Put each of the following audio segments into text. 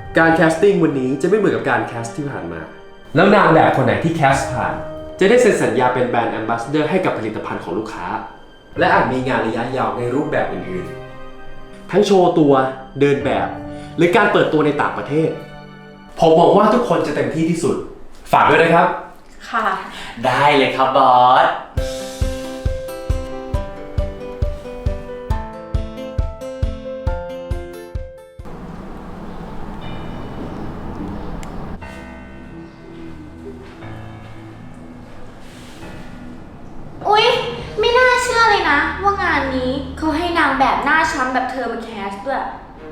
การแคสติ้งวันนี้จะไม่เหมือนกับการแคสที่ผ่านมา แล้วนางแบบคนไหนที่แคสผ่านจะได้เซ็นสัญญาเป็นแบรนด์แอมบาสเดอร์ให้กับผลิตภัณฑ์ของลูกค้าและอาจมีงานระยะยาวในรูปแบบอื่นๆทั้งโชว์ตัวเดินแบบหรือการเปิดตัวในต่างประเทศผมหวังว่าทุกคนจะเต็มที่ที่สุดฝากด้วยนะครับค่ะได้เลยครับบอสอุ๊ยไม่น่าเชื่อเลยนะว่างานนี้เขาให้นางแบบหน้าช้ำแบบเธอมาแคสด้วย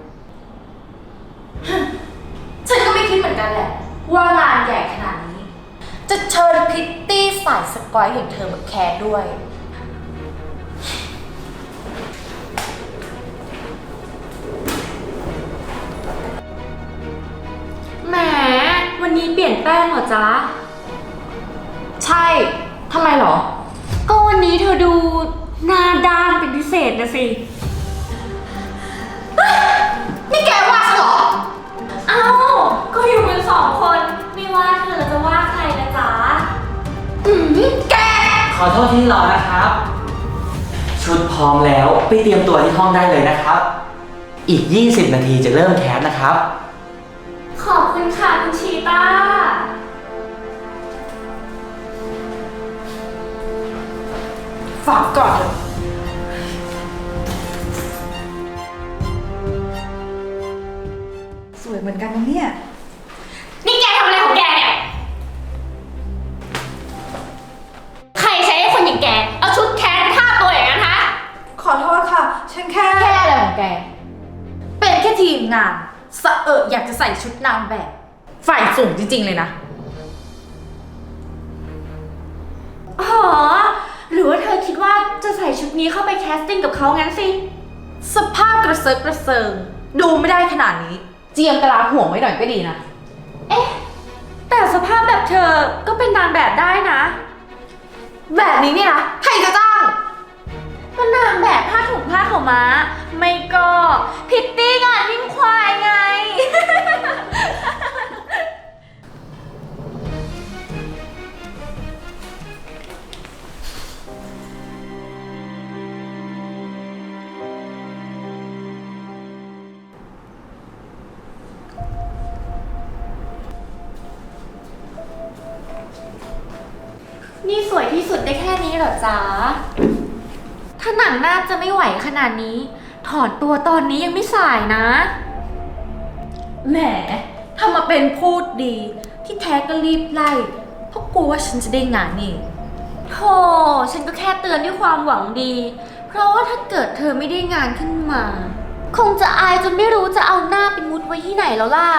ฉันก็ไม่คิดเหมือนกันแหละว่างานใหญ่ขนาดนี้จะเชิญพิตตี้สายสกอยอย่างเธอมาแคสด้วยแหมวันนี้เปลี่ยนแป้งเหรอจ๊ะใช่ทำไมหรอก็วันนี้เธอดูหน้าด้านเป็นพิเศษนะสินี่แกว่าฉันเหรออ้าวก็อยู่กันสองคนไม่ว่าเธอจะว่าใครนะจ๊ะแกขอโทษที่รอนะครับ ชุดพร้อมแล้วไปเตรียมตัวที่ห้องได้เลยนะครับ อีก 20 นาทีจะเริ่มแคสนะครับขอบคุณค่ะคุณชีต้าฝากก่อนสวยเหมือนกันนะเนี่ยนี่แกทำอะไรของแกเนี่ยใครใช้ให้คนอย่างแกเอาชุดแคสท่าตัวอย่างนั้นฮะขอโทษค่ะฉันแค่อะไรของแกเป็นแค่ทีมงานสะอยากจะใส่ชุดนางแบบฝ่ายสูงจริงๆเลยนะอ๋อหรือว่าเธอคิดว่าจะใส่ชุดนี้เข้าไปแคสติ้งกับเขางั้นสิสภาพกระเซิร์กระเซิงดูไม่ได้ขนาดนี้เจียมกะลาห่วงไว้หน่อยก็ดีนะเอ๊ะแต่สภาพแบบเธอก็เป็นนางแบบได้นะแบบนี้เนี่ยนะใครจะจ้างก็นางแบบผ้าถุงผ้าขาวม้าไม่ก็พิตตี้งานวิ่งควายไง นี่สวยที่สุดได้แค่นี้เหรอจ๊ะถ้าหนังน่าจะไม่ไหวขนาดนี้ถอนตัวตอนนี้ยังไม่สายนะแหมทำมาเป็นพูดดีที่แท้ก็รีบไล่เพราะกลัวว่าฉันจะได้งานนี่โธ่ฉันก็แค่เตือนด้วยความหวังดีเพราะว่าถ้าเกิดเธอไม่ได้งานขึ้นมาคงจะอายจนไม่รู้จะเอาหน้าไปมุดไว้ที่ไหนแล้วล่ะ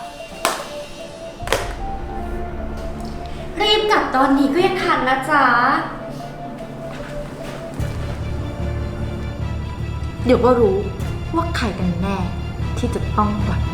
รีบกลับตอนนี้ก็ยังทันนะจ๊ะเดี๋ยวก็รู้ว่าใครกันแน่ที่จะต้องวัด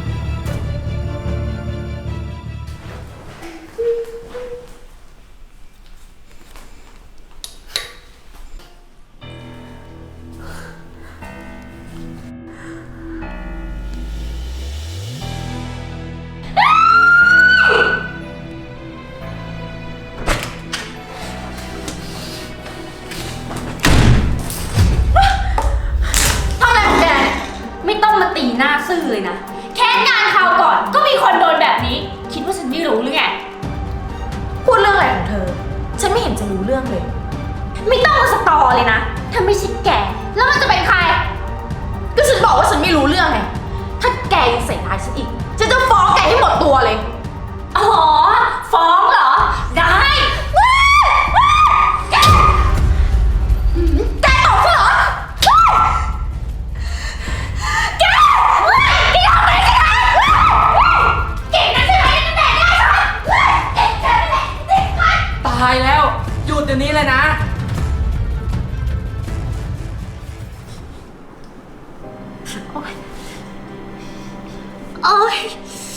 ตีหน้าซื่อเลยนะแค่งานคราวก่อนก็มีคนโดนแบบนี้คิดว่าฉันไม่รู้หรือไงพูดเรื่องอะไรของเธอฉันไม่เห็นจะรู้เรื่องเลยไม่ต้องมาสตอเลยนะถ้าไม่ใช่แกแล้วมันจะเป็นใครก็ฉันบอกว่าฉันไม่รู้เรื่องไงถ้าแกยังใส่ร้ายฉันอีกฉันจะฟ้องแกให้หมดตัวเลยอ๋อฟ้องเหรอได้แกตอบฉันเหรอตายแล้วหยุดเดี๋ยวนี้เลยนะโอ๊ย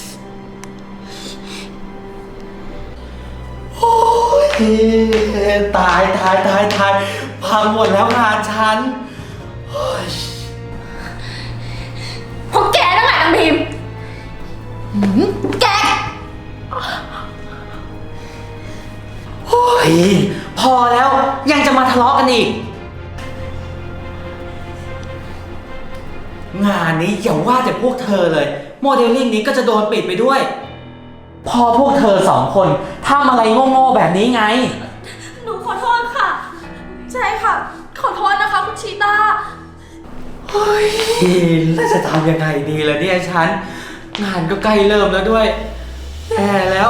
ตายพังหมดแล้วงานฉันพวกแกนั่นแหละนางพิมแกโอ้ยพอแล้วยังจะมาทะเลาะกันอีก งานนี้อย่าว่าแต่พวกเธอเลย โมเดลลิ่งนี้ก็จะโดนปิดไปด้วย พอพวกเธอสองคนทำอะไรโง่ๆแบบนี้ไงหนูขอโทษค่ะ ใช่ค่ะ ขอโทษนะคะคุณชีตาเฮ้ยแล้วจะทำยังไงดีล่ะเนี่ยฉัน งานก็ใกล้เริ่มแล้วด้วยแย่แล้ว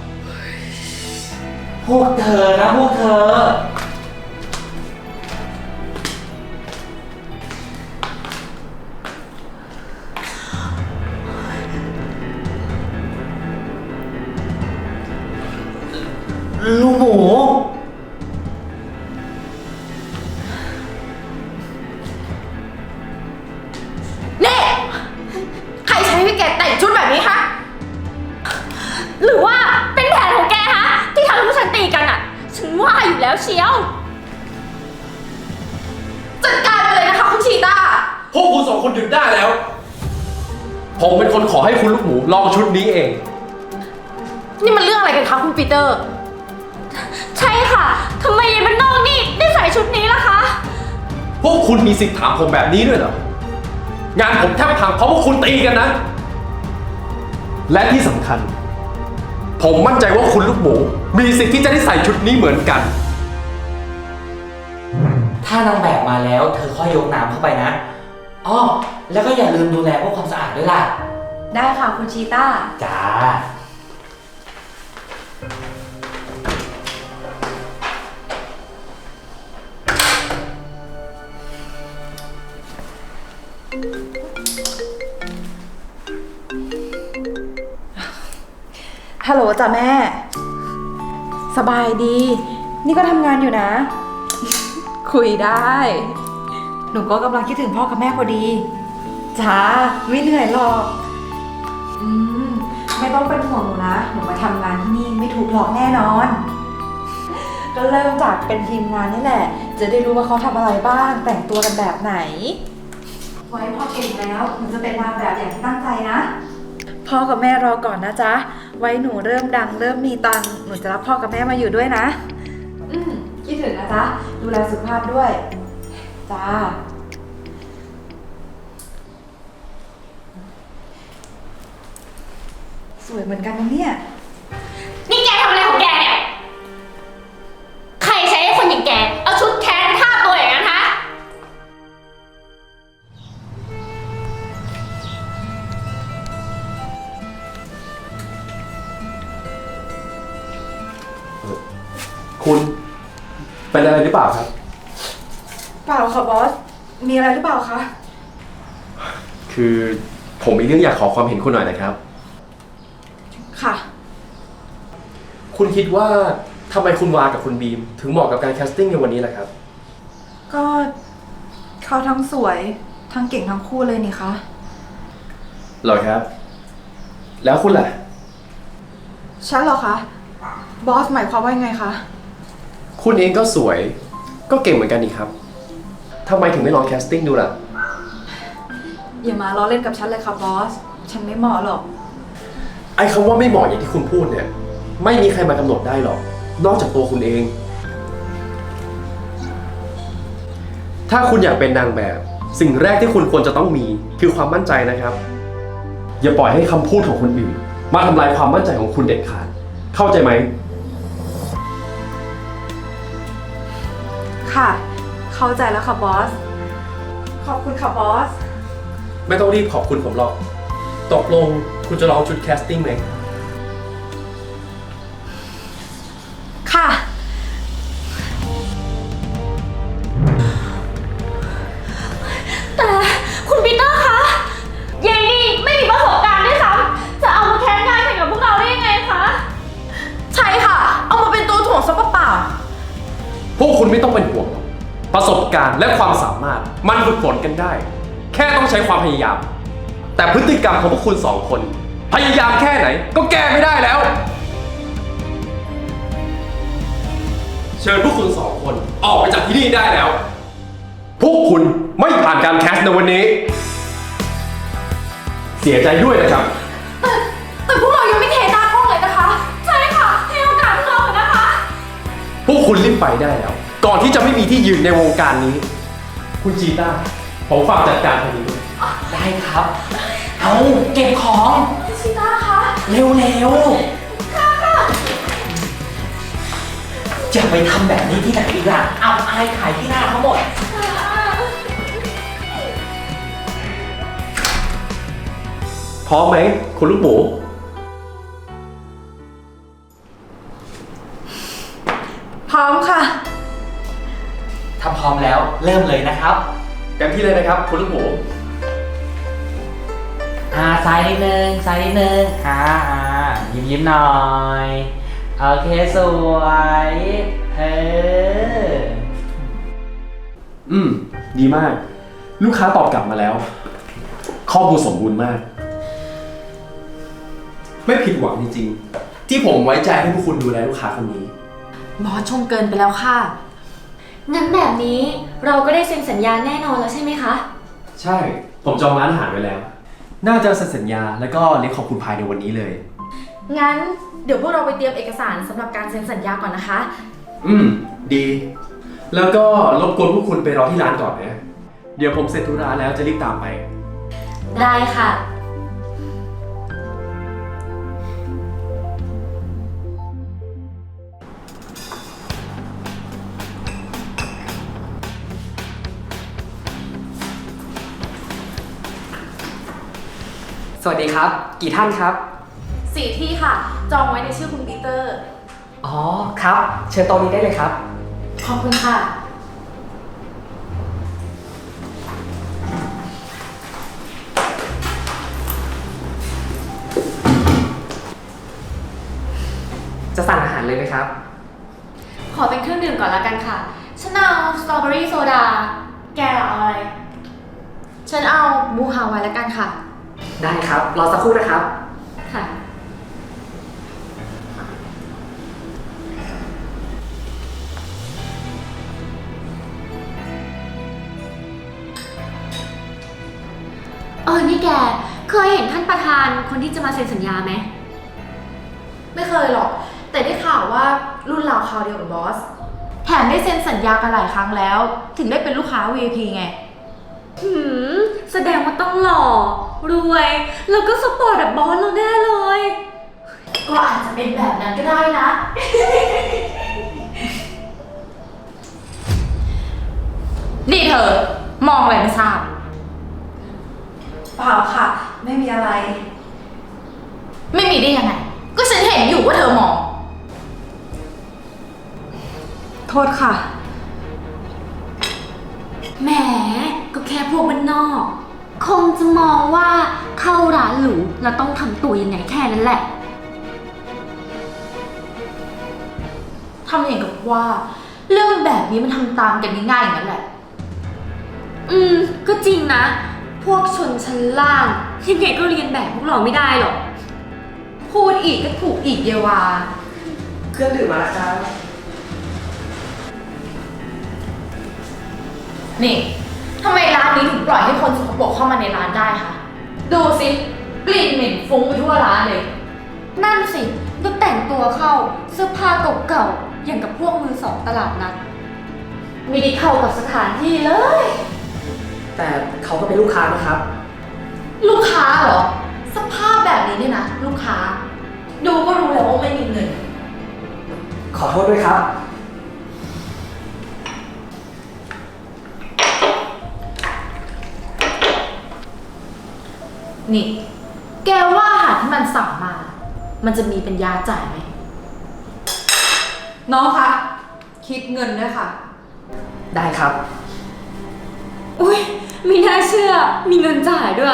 พวกเธอนะพวกเธอ ลูกหมูนี่ใครใช้ให้แกแต่งชุดแบบนี้คะ หรือว่าเป็นแผนของแกฮะที่ทำให้พวกฉันตีกันอ่ะ ฉันว่าอยู่แล้วเชียว จัดการไปเลยนะคะคุณชีตาพวกคุณสองคนหยุดได้แล้ว ผมเป็นคนขอให้คุณลูกหมูลองชุดนี้เองนี่มันเรื่องอะไรกันคะคุณปีเตอร์ ใช่ค่ะทำไมยายมันนอกนี่ได้ใส่ชุดนี้ล่ะคะพวกคุณมีสิทธิ์ถามผมแบบนี้ด้วยเหรอ งานผมแทบพังเพราะพวกคุณตีกันนะ และที่สำคัญ ผมมั่นใจว่าคุณลูกหมู มีสิทธิ์ที่จะได้ใส่ชุดนี้เหมือนกันถ้านางแบบมาแล้วเธอค่อยยกน้ำเข้าไปนะอ้อแล้วก็อย่าลืมดูแลพวกความสะอาดด้วยล่ะได้ค่ะคุณชีต้าจ้าฮัลโหลจ้ะแม่ สบายดี นี่ก็ทำงานอยู่นะ คุยได้ หนูก็กำลังคิดถึงพ่อกับแม่พอดี จ้า ไม่เหนื่อยหรอก ไม่ต้องเป็นห่วงหนูนะ หนูมาทำงานที่นี่ไม่ถูกหลอกแน่นอน ก็เริ่มจากเป็นทีมงานนี่แหละ จะได้รู้ว่าเขาทำอะไรบ้าง แต่งตัวกันแบบไหน ไว้พ่อเก่งแล้วหนูจะเป็นนางแบบอย่างที่ตั้งใจนะ พ่อกับแม่รอก่อนนะจ๊ะ ไว้หนูเริ่มดังเริ่มมีตังค์หนูจะรับพ่อกับแม่มาอยู่ด้วยนะ คิดถึงนะจ๊ะ ดูแลสุขภาพด้วย จ้า สวยเหมือนกันนะเนี่ยนี่แกทำอะไรของแกเนี่ย ใครใช้ให้คนอย่างแก เอาชุดแทนท่าตัวอย่างนั้นฮะคุณเป็นอะไรหรือเปล่าครับเปล่าค่ะบอส มีอะไรหรือเปล่าคะคือผมมีเรื่องอยากขอความเห็นคุณหน่อยนะครับค่ะคุณคิดว่าทำไมคุณวากับคุณบีม ถึงเหมาะกับการแคสติ้งในวันนี้ล่ะครับก็เขาทั้งสวยทั้งเก่งทั้งคู่เลยนี่คะเหรอครับ แล้วคุณล่ะฉันเหรอคะ บอสหมายความว่ายังไงคะคุณเองก็สวย ก็เก่งเหมือนกันนี่ครับทำไมถึงไม่ลองแคสติ้งดูล่ะอย่ามาล้อเล่นกับฉันเลยค่ะบอส ฉันไม่เหมาะหรอกไอ้คำว่าไม่เหมาะอย่างที่คุณพูดเนี่ย ไม่มีใครมากำหนดได้หรอก นอกจากตัวคุณเอง ถ้าคุณอยากเป็นนางแบบ สิ่งแรกที่คุณควรจะต้องมีคือความมั่นใจนะครับ อย่าปล่อยให้คำพูดของคนอื่น มาทำลายความมั่นใจของคุณเด็ดขาด เข้าใจไหมค่ะ เข้าใจแล้วค่ะบอส ขอบคุณค่ะบอสไม่ต้องรีบขอบคุณผมหรอก ตกลงคุณจะลองชุดแคสติ้งไหมค่ะแต่คุณปีเตอร์คะยายนี่ไม่มีประสบการณ์ด้วยซ้ำจะเอามาแข่งงานแข่งกับพวกเราได้ยังไงคะ ใช่ค่ะ เอามาเป็นตัวถ่วงซะเปล่าพวกคุณไม่ต้องเป็นห่วงหรอกประสบการณ์และความสามารถมันฝึกฝนกันได้ แค่ต้องใช้ความพยายาม แต่พฤติกรรมของพวกคุณสองคน พยายามแค่ไหนก็แก้ไม่ได้แล้ว เชิญพวกคุณสองคนออกไปจากที่นี่ได้แล้ว พวกคุณไม่ผ่านการแคสต์ในวันนี้ เสียใจด้วยนะครับๆไปได้แล้ว ก่อนที่จะไม่มีที่ยืนในวงการนี้ คุณชีต้าผมฝากจัดการทางนี้ด้วยได้ครับ เอาเก็บของชิต้าคะเร็วๆจะไปทำแบบนี้ที่ไหนอีกล่ะเอาอายขายที่หน้าเขาหมดพร้อมไหมคุณลูกหมูพร้อมค่ะถ้าพร้อมแล้วเริ่มเลยนะครับเต็มที่เลยนะครับ คุณลูกหมูซ้ายนิดนึงซ้ายนิดนึงยิ้มหน่อย โอเคสวยดีมาก ลูกค้าตอบกลับมาแล้ว ข้อมูลสมบูรณ์มาก ไม่ผิดหวังจริงๆ ที่ผมไว้ใจให้พวกคุณดูแลลูกค้าคนนี้บอสชมเกินไปแล้วค่ะงั้นแบบนี้เราก็ได้เซ็นสัญญาแน่นอนแล้วใช่ไหมคะใช่ ผมจองร้านอาหารไว้แล้ว น่าจะเซ็นสัญญาแล้วก็เลี้ยงขอบคุณภายในวันนี้เลยงั้นเดี๋ยวพวกเราไปเตรียมเอกสารสำหรับการเซ็นสัญญาก่อนนะคะดี แล้วก็รบกวนพวกคุณไปรอที่ร้านก่อนนะ เดี๋ยวผมเสร็จธุระแล้วจะรีบตามไปได้ค่ะสวัสดีครับ กี่ท่านครับ 4 ที่ค่ะ จองไว้ในชื่อคุณปีเตอร์อ๋อ ครับ เชิญโต๊ะนี้ได้เลยครับขอบคุณค่ะจะสั่งอาหารเลยไหมครับขอเป็นเครื่องดื่มก่อนละกันค่ะ ฉันเอาสตรอเบอรี่โซดา แกเอาอะไรฉันเอาบูฮาวายแล้วกันค่ะได้ครับ รอสักครู่นะครับค่ะ นี่แก เคยเห็นท่านประธานคนที่จะมาเซ็นสัญญาไหมไม่เคยหรอก แต่ได้ข่าวว่ารุ่นราวคราวเดียวกับบอส แถมได้เซ็นสัญญากันหลายครั้งแล้ว ถึงได้เป็นลูกค้า VIP ไงแสดงว่าต้องหล่อ รวย แล้วก็สปอร์ตแบบบอสเราแน่เลยก็อาจจะเป็นแบบนั้นก็ได้นะ นี่เธอ มองอะไรไม่ทราบเปล่าค่ะ ไม่มีอะไรไม่มีได้ยังไง ก็ฉันเห็นอยู่ว่าเธอมองโทษค่ะแหม ก็แค่พวกบ้านนอก คงจะมองว่าเข้าร้านหรูแล้วต้องทำตัวยังไงแค่นั้นแหละทำอย่างกับว่า เรื่องแบบนี้มันทำตามกันง่ายๆอย่างนั้นแหละก็จริงนะ พวกชนชั้นล่างยังไงก็เรียนแบบพวกเราไม่ได้หรอกพูดอีกก็ถูกอีกเยวาเครื่องดื่มมาแล้วครับนี่ทำไมร้านนี้ถึงปล่อยให้คนสกปรกเข้ามาในร้านได้คะดูสิกลิ่นเหม็นฟุ้งไปทั่วร้านเลยนั่นสิดูแต่งตัวเข้าเสื้อผ้าเก่าๆ อย่างกับพวกมือสองตลาดนัดไม่ได้เข้ากับสถานที่เลยแต่เขาก็เป็นลูกค้านะครับลูกค้าเหรอ สภาพแบบนี้เนี่ยนะ ลูกค้า ดูก็รู้แล้วว่าไม่มีเงินขอโทษด้วยครับนี่ แกว่าอาหารที่มันสั่งมา มันจะมีเป็นยาจ่ายไหมน้องคะ คิดเงินด้วยค่ะได้ครับอุ้ยมีน่าเชื่อ มีเงินจ่ายด้วย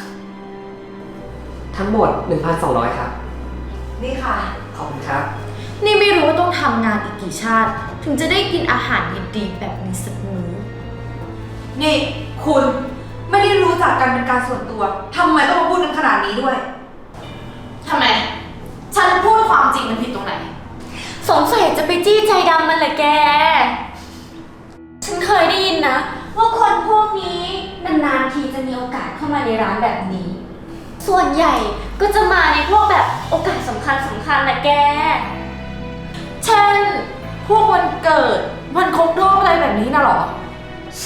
ทั้งหมด 1,200 ครับนี่ค่ะขอบคุณครับนี่ไม่รู้ว่าต้องทำงานอีกกี่ชาติ ถึงจะได้กินอาหารดีๆแบบนี้สักมื้อนี่คุณไม่ได้รู้จักกันเป็นการส่วนตัวทำไมต้องมาพูดกันขนาดนี้ด้วยทำไม ฉันพูดความจริงมันผิดตรงไหนสงสัยจะไปจี้ใจดำมันแหละแก ฉันเคยได้ยินนะ ว่าคนพวกนี้นานๆทีจะมีโอกาสเข้ามาในร้านแบบนี้ ส่วนใหญ่ก็จะมาในพวกแบบโอกาสสำคัญแหละแกเช่นพวกวันเกิด วันครบรอบอะไรแบบนี้น่ะเหรอใช่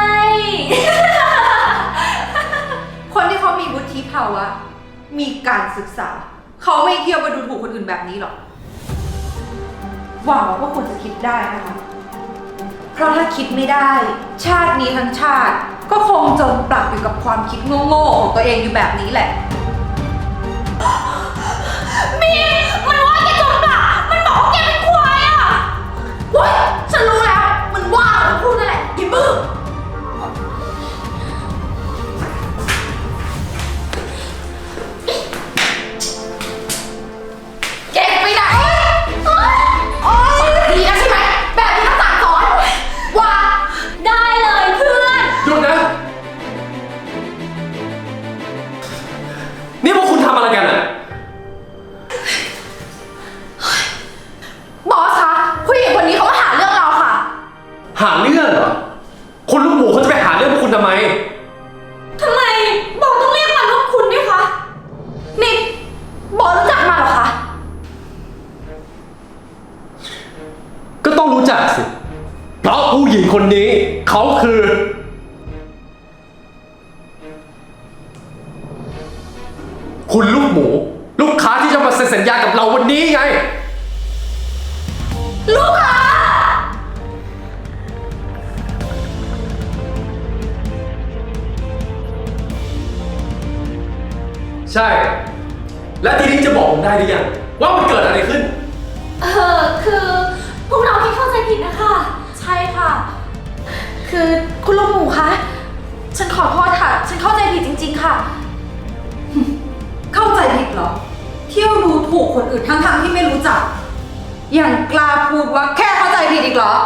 คนที่เขามีวุฒิภาวะ มีการศึกษา เขาไม่เที่ยวมาดูถูกคนอื่นแบบนี้หรอก หวังว่าพวกคุณจะคิดได้นะคะ เพราะถ้าคิดไม่ได้ ชาตินี้ทั้งชาติ ก็คงจมปลักอยู่กับความคิดโง่ๆของตัวเองอยู่แบบนี้แหละมันว่าแกจมปลักมันบอกว่าแกเป็นควายอ่ะเว้ยฉันรู้แล้ว มันว่ามันพูดนั่นแหละอย่าบื้อแกไปไหนโอ๊ยดีแล้วใช่ไหม แบบนี้ต้องสั่งสอนว่าได้เลยเพื่อนหยุดนะ นี่พวกคุณทำอะไรกันอ่ะบอสคะผู้หญิงคนนี้เขามาหาเรื่องเราค่ะหาเรื่องเหรอ คุณลูกหมูเขาจะไปหาเรื่องพวกคุณทำไมทำไมบอสต้องเรียกมันว่าคุณด้วยคะ นี่บอสรู้จักมันเหรอคะก็ต้องรู้จักสิ เพราะผู้หญิงคนนี้เขาคือ คุณลูกหมู ลูกค้าที่จะมาเซ็นสัญญากับเราวันนี้ไงลูกค้าใช่ และทีนี้จะบอกผมได้หรือยังว่ามันเกิดอะไรขึ้นคือพวกเราที่เข้าใจผิดนะคะใช่ค่ะ คือคุณลูกหมูคะ ฉันขอโทษค่ะ ฉันเข้าใจผิดจริง ๆ ค่ะเข้าใจผิดเหรอ เที่ยวดูถูกคนอื่นทั้งๆที่ไม่รู้จัก อย่างกล้าพูดว่าแค่เข้าใจผิดอีกเหรอ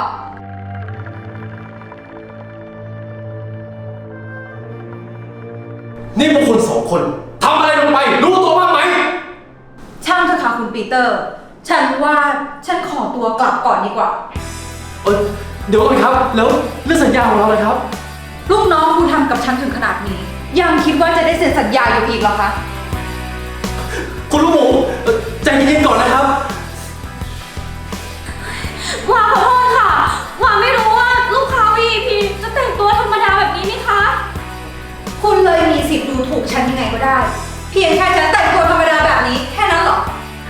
นี่พวกคุณสองคนทำอะไรลงไป รู้ตัวบ้างไหมช่างเถอะค่ะคุณปีเตอร์ ฉันว่าฉันขอตัวกลับก่อนดีกว่าเดี๋ยวก่อนครับ แล้วเรื่องสัญญาของเราเลยครับลูกน้องคุณทำกับฉันถึงขนาดนี้ ยังคิดว่าจะได้เซ็นสัญญาอยู่อีกเหรอคะคุณลูกหมูใจเย็นๆก่อนนะครับว่าขอโทษค่ะ ว่าไม่รู้ว่าลูกค้า VIP จะแต่งตัวธรรมดาแบบนี้นี่คะคุณเลยมีสิทธิ์ดูถูกฉันยังไงก็ได้ เพียงแค่ฉันแต่งตัวธรรมดาแบบนี้แค่นั้นเหรอ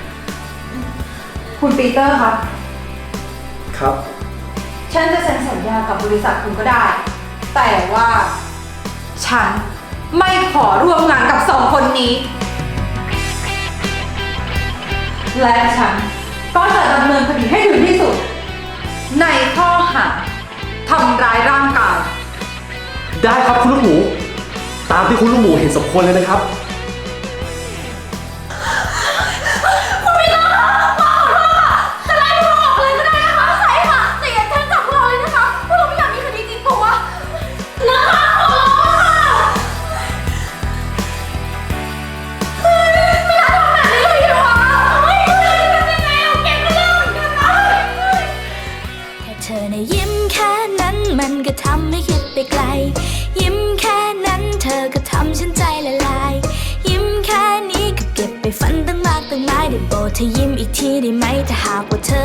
คุณปีเตอร์คะครับฉันจะเซ็นสัญญากับบริษัทคุณก็ได้ แต่ว่า ฉันไม่ขอร่วมงานกับสองคนนี้ และฉันก็จะดำเนินคดีให้ถึงที่สุด ในข้อหาทำร้ายร่างกายได้ครับคุณลูกหมู ตามที่คุณลูกหมูเห็นสมควรเลยนะครับจะไล่พวกเราออกเลยก็ได้นะคะใช่ค่ะแต่อย่าแจ้งจับพวกเราเลยนะคะพวกเราไม่อยากมีคดีติดตัวนะคะขอร้องค่ะเฮ้ยไม่อยากทำแบบนี้เลยดีกว่าเฮ้ยทำยังไงเอาเก็บไปเรื่องเหมือนกันนะแค่เธอในะยิ้มแค่นั้นมันก็ทำให้คิดไปไกล ยิ้มแค่นั้นเธอก็ทำฉันใจละลาย ยิ้มแค่นี้ก็เก็บไปฝันตั้งมากตั้งหลายได้โปรดเธอยิ้มอีกทีได้ไหมถ้าหากว่าเธอ